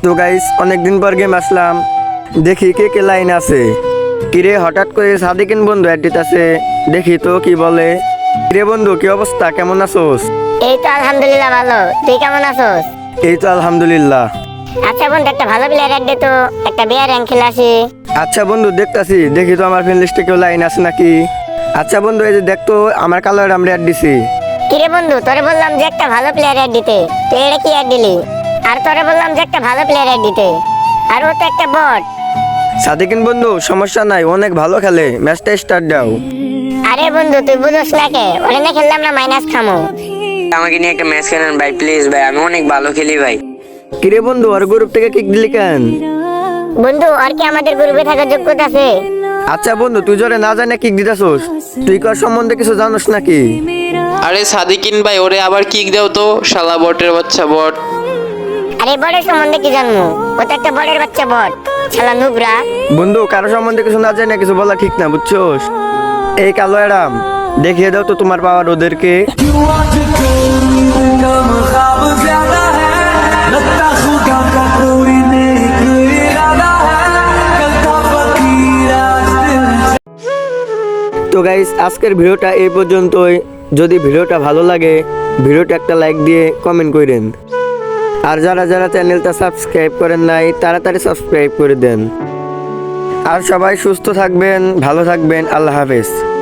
তো গাইস অনেকদিন পর গেম আসলাম, দেখি কে কে লাইন আছে। কিরে হঠাৎ করে সাদিকিন বন্ধু অ্যাড দিতেছে, দেখি তো কি বলে। কিরে বন্ধু কি অবস্থা, কেমন আছোস? এই তো আলহামদুলিল্লাহ ভালো। তুই কেমন আছোস? এই তো আলহামদুলিল্লাহ। আচ্ছা বন্ধু, একটা ভালো প্লেয়ার অ্যাড দে তো, একটা বিয়ার র্যাঙ্ক খেলে আসি। আচ্ছা বন্ধু দেখতাছি, দেখি তো আমার ফ্রেন্ড লিস্টে কেউ লাইন আছে নাকি। আচ্ছা বন্ধু এই যে দেখতো আমার কালার আমরা অ্যাড দিছি। কিরে বন্ধু, তোরে বললাম যে একটা ভালো প্লেয়ার অ্যাড দিতে, তুই এটা কি অ্যাড দিলি? আর তোরে বললাম যে একটা ভালো প্লেয়ার অ্যাড দিতে, আর ও তো একটা বট। সাদিকিন বন্ধু সমস্যা নাই, অনেক ভালো খেলে, ম্যাচটা স্টার্ট দাও। আরে বন্ধু তুই বুঝোস না কে, ওরে না খেললাম না মাইনাস খামো। আমাকে নিয়ে একটা ম্যাচ খেলেন ভাই, প্লিজ ভাই, আমি অনেক ভালো খেলি ভাই। কিরে বন্ধু আর গ্রুপ থেকে কিক দিলি কেন? বন্ধু আর কি আমাদের গ্রুপে থাকার যোগ্যতা আছে? আচ্ছা বন্ধু তুই জোরে না জানে কিক দিতেছোস, তুই কার সম্বন্ধে কিছু জানোস নাকি? আরে সাদিকিন ভাই, ওরে আবার কিক দাও তো, শালা বটের বাচ্চা বট। আরে বটের সম্বন্ধে কি জানবো, ও তো একটা বটের বাচ্চা বট, শালা নুবরা। বন্ধু কারো সম্বন্ধে কিছু না জানে কিছু বলা ঠিক না, বুঝছোস? এই কালো অ্যাডাম দেখিয়ে দাও তো তোমার পাওয়ার ওদেরকে। তো গাইস আজকের ভিডিওটা এই পর্যন্তই। যদি ভিডিওটা ভালো লাগে ভিডিওটা একটা লাইক দিয়ে কমেন্ট করেন, আর যারা যারা চ্যানেলটা সাবস্ক্রাইব করেন নাই তাড়াতাড়ি সাবস্ক্রাইব করে দেন। আর সবাই সুস্থ থাকবেন, ভালো থাকবেন, আল্লাহ হাফেজ।